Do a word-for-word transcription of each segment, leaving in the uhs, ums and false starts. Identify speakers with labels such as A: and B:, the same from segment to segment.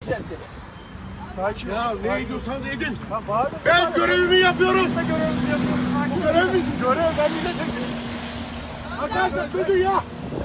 A: edeceğiz seni.
B: Sakin ol. Ya ne ediyorsanız edin.
A: Lan bağırma.
B: Ben görevimi yapıyorum.
A: Biz de görevimizi yapıyoruz.
B: Bu görev misin? Görev. Ben milletvekiliyim. Arkadaşlar çocuğu ya.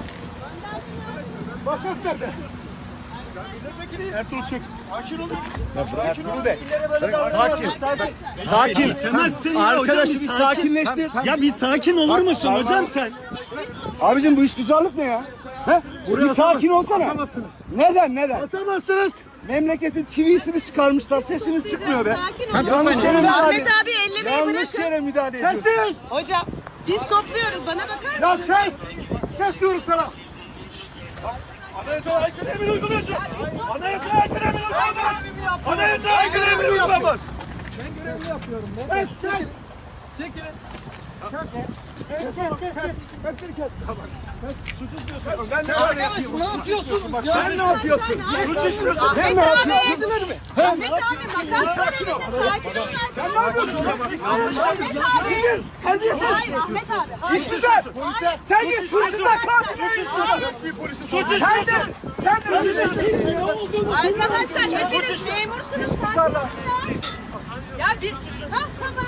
B: Makas nerede? Ertuğrul çek. Sakin olun.
A: Sakin ol. Bey.
B: Sakin.
A: Sakin.
C: Bitemezsin ya
A: Arkadaşı
C: hocam,
A: bir
C: bir sakin.
A: sakinleştir.
C: Ya bir sakin olur musun
A: Bak,
C: hocam
A: bak.
C: sen?
A: Abicim bu işgüzarlık ne ya? He? Bir sakin olsana.
B: Basamazsınız.
A: Neden neden?
B: Basamazsınız.
A: Memleketin çivisini çıkarmışlar. Sesiniz çıkmıyor be.
D: Sakin ol.
A: Yanlış yere müdahale.
D: Ahmet abi ellemeyi
A: Yanlış
D: bırakın.
A: yere müdahale ediyorsun.
B: Kes.
D: Hocam biz topluyoruz. Bana bakar
B: Ya
D: mısın?
B: kes. Kes diyorum sana. Anayasaya aykırı emir uyguluyorsun. Anayasaya aykırı emir uygulamaz. Anayasaya aykırı emir uygulamaz. Ben görevimi yapıyorum. Kes kes. Çekilin. Kes kes. Kes kes kes. Hepsini kes. Suç işliyorsun. Ben ne
A: Arkadaş ne yapıyorsun? Bak sen ne yapıyorsun?
B: Suç işliyorsun.
A: Sen ne
D: Ahmet
A: yapıyorsun?
D: abi. Ahmet abi makas var elinde. Sakin ol.
A: Sen ne yapıyorsun?
D: Ahmet abi.
A: Terbiyesiz.
D: Hayır Ahmet abi.
A: İşgüzar.
D: Hayır.
A: Sen git hırsızlar katil.
B: Suç
A: Sen
B: işliyorsun.
A: de. Sen de.
D: Arkadaşlar hepiniz memursunuz. Farkında ya. Ya bir... Ha tamam.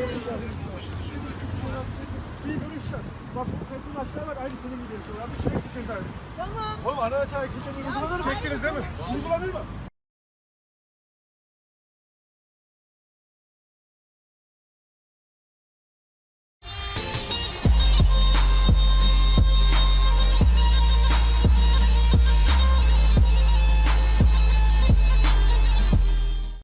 B: Bak bu kadın aşağı var aynı senin gibi yapıyor. Abi şerefsiz cezaevi.
D: Tamam.
B: Oğlum anayasaya aykırı emir uygulanır mı? Çektiniz değil mi? Uygulanır mı?